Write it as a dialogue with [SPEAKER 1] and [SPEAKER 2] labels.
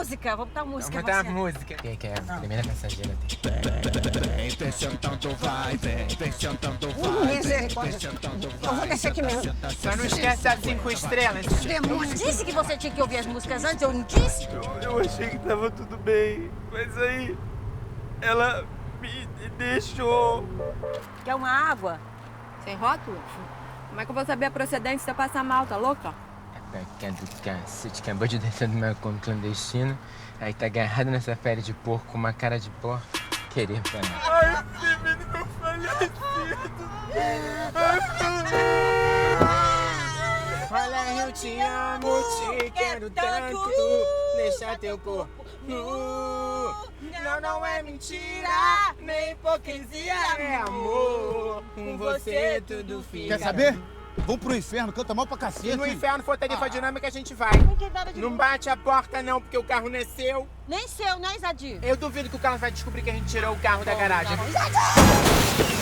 [SPEAKER 1] música, vou botar música.
[SPEAKER 2] Vamos botar música. Quem é a primeira passageira?
[SPEAKER 3] Vem sentando, vai, vem sentando, vai.
[SPEAKER 1] Misericórdia. Eu vou descer aqui mesmo.
[SPEAKER 2] Só não esquece as 5 estrelas.
[SPEAKER 1] Demônio, disse que você tinha que ouvir as músicas antes, eu não disse?
[SPEAKER 4] Eu achei que tava tudo bem, mas aí ela me deixou.
[SPEAKER 1] Quer uma água?
[SPEAKER 5] Sem rótulo? Como é que eu vou saber a procedência se eu passar mal, tá louca?
[SPEAKER 2] Que é do cacete, acabou de descer do meu conto clandestino, aí tá agarrado nessa pele de porco com uma cara de porco. Querer parar.
[SPEAKER 4] Ai, menino, meu falecido.
[SPEAKER 2] Olha, eu te amo, te quero tanto. Deixa teu corpo nu. Não é mentira, nem hipocrisia, é amor. Com você tudo fica.
[SPEAKER 3] Quer saber? Vamos pro inferno, canta mal pra cacete.
[SPEAKER 2] Se no inferno for tarifa dinâmica, a gente vai.
[SPEAKER 1] Não tem nada de
[SPEAKER 2] Não bate a porta não, porque o carro não é seu.
[SPEAKER 1] Nem seu, né, Isadir?
[SPEAKER 2] Eu duvido que o Carlos vai descobrir que a gente tirou o carro da garagem.